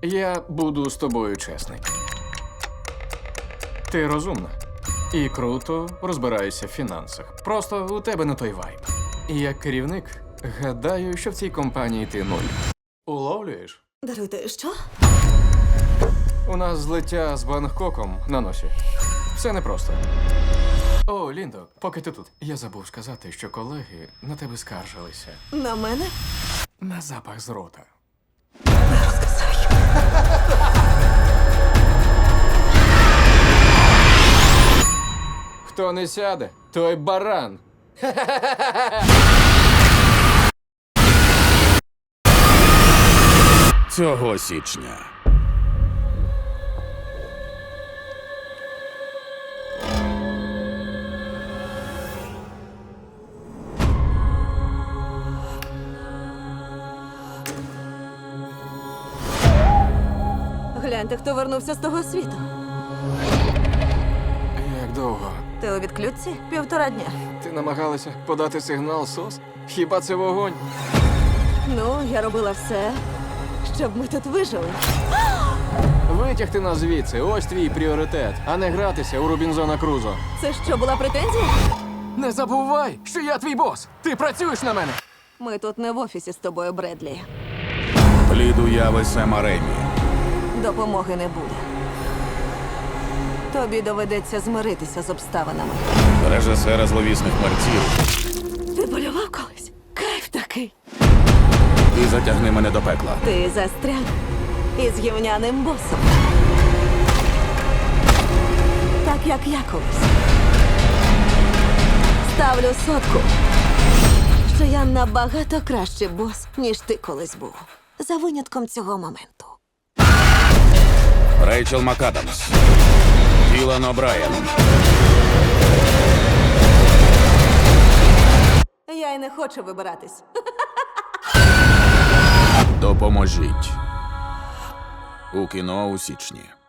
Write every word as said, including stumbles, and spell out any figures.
Я буду з тобою чесний. Ти розумна і круто розбираєшся в фінансах. Просто у тебе не той вайб. І як керівник, гадаю, що в цій компанії ти нуль. Уловлюєш? Даруйте, що? У нас злиття з Бангкоком на носі. Все непросто. О, Ліндо, поки ти тут. Я забув сказати, що колеги на тебе скаржилися. На мене? На запах з рота. Хто не сяде, той баран. Цього січня. Гляньте, хто вернувся з того світу. Як довго? Ти у відключці? Півтора дня. Ти намагалася подати сигнал СОС? Хіба це вогонь? Ну, я робила все, щоб ми тут вижили. Витягти нас звідси, ось твій пріоритет, а не гратися у Рубінзона Крузо. Це що, була претензія? Не забувай, що я твій бос! Ти працюєш на мене! Ми тут не в офісі з тобою, Бредлі. Плід уяви Сема Ремі. Допомоги не буде. Тобі доведеться змиритися з обставинами. Режисера зловісних мерців. Ти полював колись? Кайф такий. І затягни мене до пекла. Ти застряг із гівняним босом. Так, як я колись. Ставлю сотку, що я набагато кращий бос, ніж ти колись був. За винятком цього моменту. Рейчел МакАдамс. Ілан О'Брайен. Я й не хочу вибиратись. Допоможіть. У кіно у січні.